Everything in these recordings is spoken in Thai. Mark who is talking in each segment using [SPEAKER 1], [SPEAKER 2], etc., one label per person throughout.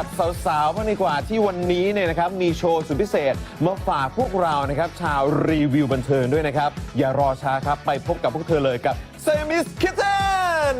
[SPEAKER 1] กับสาวๆบ้างดีกว่าที่วันนี้เนี่ยนะครับมีโชว์สุดพิเศษมาฝากพวกเรานะครับชาวรีวิวบันเทิงด้วยนะครับอย่ารอช้าครับไปพบกับพวกเธอเลยกับ Sammy's Kitchen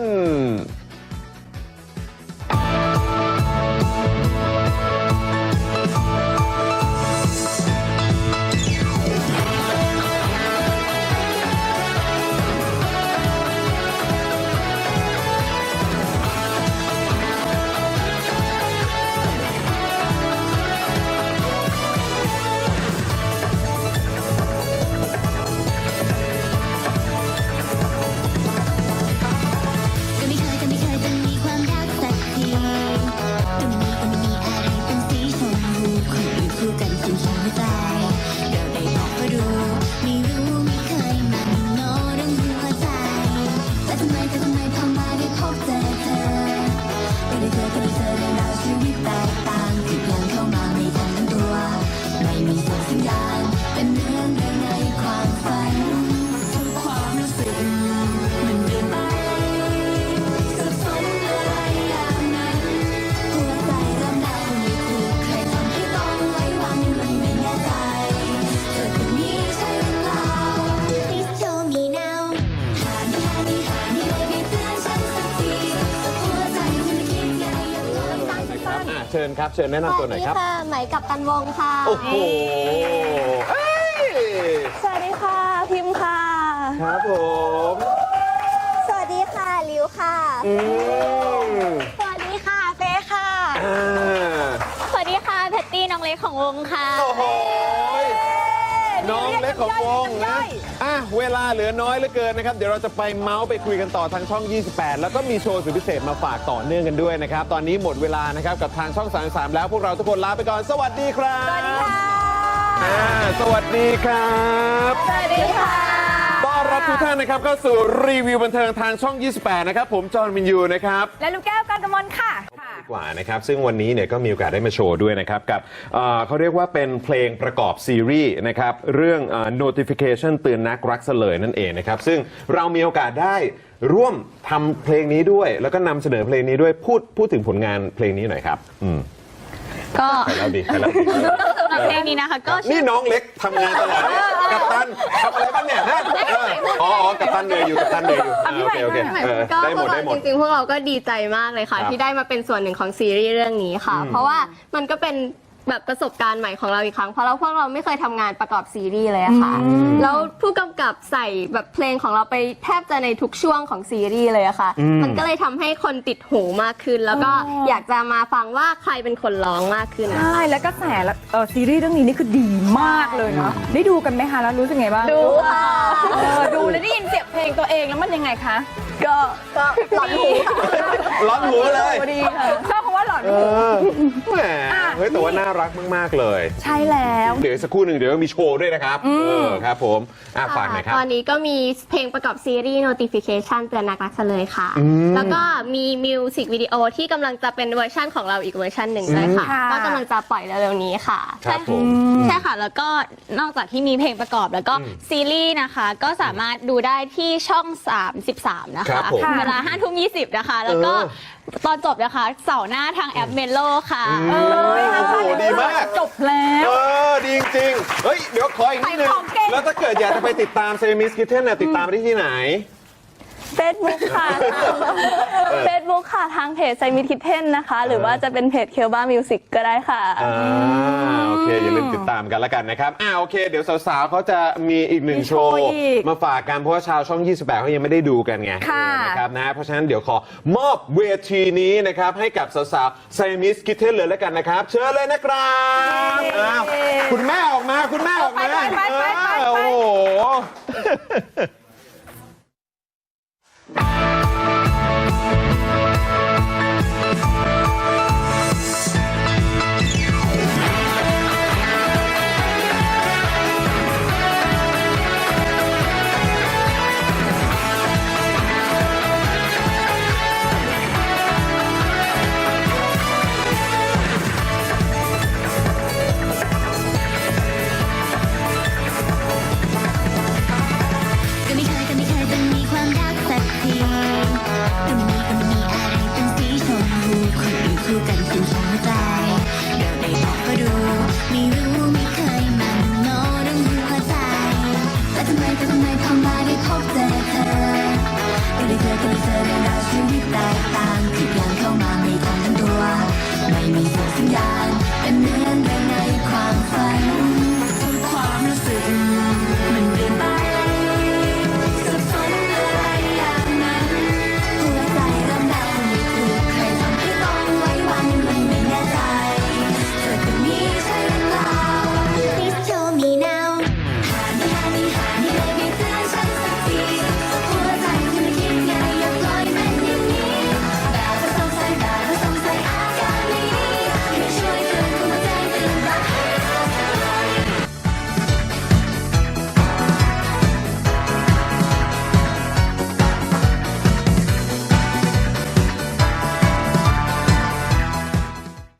[SPEAKER 1] เชิญครับเชิญแนะนำตัวหน่อยครับ
[SPEAKER 2] สวัสดีค่ะไหมกับตันวงค่ะ
[SPEAKER 1] โอ้โห
[SPEAKER 2] สวัสดีค่ะพิมพ์ค่ะ
[SPEAKER 1] ครับผม
[SPEAKER 2] สวัสดีค่ะลิวค่ะสวัสดีค่ะเฟย์ค่ะสวัสดีค่ะแพตตี้น้องเล็กของวงค่ะ
[SPEAKER 1] โอ้โหน้องเล็กของวงนะเวลาเหลือน้อยเหลือเกินนะครับเดี๋ยวเราจะไปเมาส์ไปคุยกันต่อทางช่อง 28 แล้วก็มีโชว์สุดพิเศษมาฝากต่อเนื่องกันด้วยนะครับตอนนี้หมดเวลานะครับกับทางช่อง 33 แล้วพวกเราทุกคนลาไปก่อนสวัสดีครับ
[SPEAKER 2] สวัสดีค่ะ
[SPEAKER 1] สวัสดีครับ
[SPEAKER 2] สวัสดีค่ะ
[SPEAKER 1] ต้อนรับทุกท่านนะครับเข้าสู่รีวิวบันเทิงทางช่อง 28 นะครับผมจอห์นวินยูนะครับ
[SPEAKER 2] และลูกแก้วกันกมลค่ะ
[SPEAKER 1] กว่านะครับซึ่งวันนี้เนี่ยก็มีโอกาสได้มาโชว์ด้วยนะครับกับเขาเรียกว่าเป็นเพลงประกอบซีรีส์นะครับเรื่อง notification เตือนนักรักเสลยนั่นเองนะครับซึ่งเรามีโอกาสได้ร่วมทำเพลงนี้ด้วยแล้วก็นำเสนอเพลงนี้ด้วยพูดถึงผลงานเพลงนี้หน่อยครับ
[SPEAKER 2] ก็
[SPEAKER 1] ใครเล่าดี
[SPEAKER 2] เพลงนี้นะคะก็
[SPEAKER 1] นี่น้องเล็กทำงานตลอดกัปตันทำอะไรบ้างเนี่ยฮะกัปตันเหนื่อยอยู่กัปตันเหนื่อยอยู่โอเคได้หมด
[SPEAKER 2] จริงๆพวกเราก็ดีใจมากเลยค่ะที่ได้มาเป็นส่วนหนึ่งของซีรีส์เรื่องนี้ค่ะเพราะว่ามันก็เป็นแบบประสบการณ์ใหม่ของเราอีกครั้งเพราะพวกเราไม่เคยทำงานประกอบซีรีส์เลยอะค่ะแล้วผู้กำกับใส่แบบเพลงของเราไปแทบจะในทุกช่วงของซีรีส์เลยอะค่ะมันก็เลยทำให้คนติดหูมากขึ้นแล้วก็อยากจะมาฟังว่าใครเป็นคนร้องมากขึ้น
[SPEAKER 3] ใช่แล้วก็แสซีรีส์เรื่องนี้นี่คือดีมากเลยเนาะได้ดูกันไหมคะแล้วรู้สึกไงบ้าง
[SPEAKER 2] ดูค่ะ
[SPEAKER 3] ดูแล้วได้ยินเสียงเพลงตัวเองแล้วมันยังไงคะ
[SPEAKER 2] ก็หลอนหู
[SPEAKER 1] ร้อนหูเลย
[SPEAKER 3] ดีค่ะชอบคำว่าหลอนหู
[SPEAKER 1] แหมเฮ้ยแต่ว่าน่ารักมากๆเลย
[SPEAKER 3] ใช่แล้ว
[SPEAKER 1] เดี๋ยวสักครู่หนึ่งเดี๋ยวมีโชว์ด้วยนะครับครับผมฝากหน่อยครับ
[SPEAKER 2] ตอนนี้ก็มีเพลงประกอบซีรีส์ notification เตือนนักรักเลยค่ะแล้วก็มีมิวสิกวิดีโอที่กำลังจะเป็นเวอร์ชั่นของเราอีกเวอร์ชั่นหนึ่งด้วยค่ะก็กำลังจะปล่อยเร็วๆนี้ค่ะ
[SPEAKER 1] ใช่
[SPEAKER 4] ค่ะแล้วก็นอกจากที่มีเพลงประกอบแล้วก็ซีรีส์นะคะก็สามารถดูได้ที่ช่อง 33 นะคะเวลา 5:20 นะคะแล้วก็ตอนจบนะคะเสาร์หน้าทางแอปเมโลค่ะ
[SPEAKER 1] โอ้โหดีมาก
[SPEAKER 3] จบแล้ว
[SPEAKER 1] ดีจริงเฮ้ยเดี๋ยวขออีกนิดนึงแล้วถ้าเกิดอยากจะไปติดตาม Sammy's Kitchen เนี่ยติดตามได้ที่ไหน
[SPEAKER 5] Facebook ค่ะ Facebook ค่ะทางเพจ Sammy's Kitchen นะคะหรือว่าจะเป็นเพจ Kelba Music ก็ได้ค่ะ
[SPEAKER 1] โอเคอย่าลืมติดตามกันแล้วกันนะครับโอเคเดี๋ยวสาวๆเขาจะมีอีกหนึ่งโชว์มาฝากกันเพราะว่าชาวช่อง 28เขายังไม่ได้ดูกันไงนะครับนะเพราะฉะนั้นเดี๋ยวขอมอบเวทีนี้นะครับให้กับสาวๆ Sammy's Kitchen เลยแล้วกันนะครับเชิญเลยนะครับคุณแม่ออกมาโอ้โห